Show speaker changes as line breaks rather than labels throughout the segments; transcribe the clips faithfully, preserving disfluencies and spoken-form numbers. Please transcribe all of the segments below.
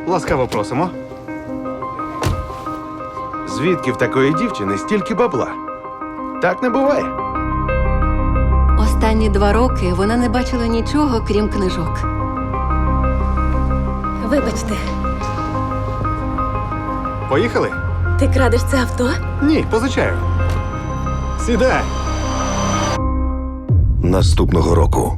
Ласкаво просимо.
Звідки в такої дівчини стільки бабла? Так не буває.
Останні два роки вона не бачила нічого, крім книжок.
Вибачте,
Поїхали?
ти крадеш це авто?
Ні, позичаю. Сідай.
Наступного року.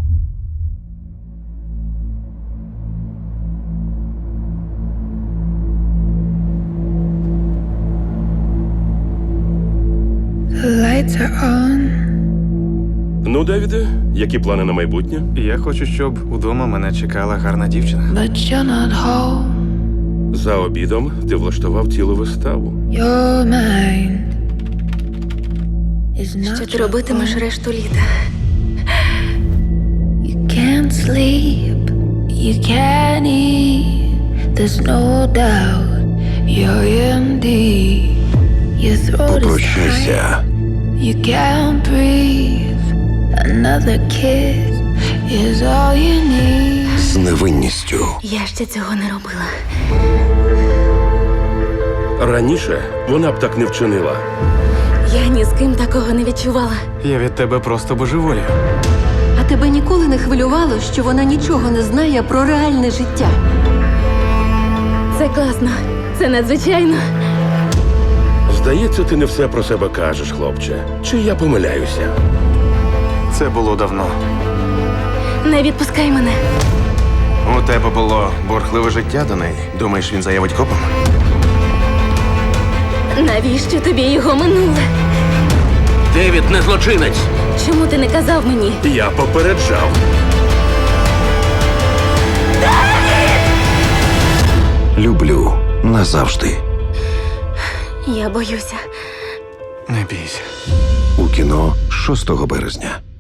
The lights are on.
Ну, Девіде, які плани на майбутнє?
Я хочу, щоб удома мене чекала гарна дівчина.
But you're not home.
За обідом ти влаштував цілу виставу.
Your mind is not
Що ти
your
робитимеш
own.
решту літа?
You can't sleep, you can't eat. There's no doubt you're in deep. Your throat is tight,
Попрощайся.
you can't breathe. Another kiss is all you need.
З невинністю.
Я ще цього не робила.
Раніше вона б так не вчинила.
Я ні з ким такого не відчувала.
Я від тебе просто божеволію.
А тебе ніколи не хвилювало, що вона нічого не знає про реальне життя?
Це класно. Це надзвичайно.
Здається, ти не все про себе кажеш, хлопче. Чи я помиляюся?
Це було давно.
Не відпускай мене.
У тебе було бурхливе життя до неї. Думаєш, він заявить копам?
Навіщо тобі його минуле?
Девід не злочинець.
Чому ти не казав мені?
Я попереджав.
Люблю назавжди.
Я боюся.
Не бійся.
У кіно шостого березня.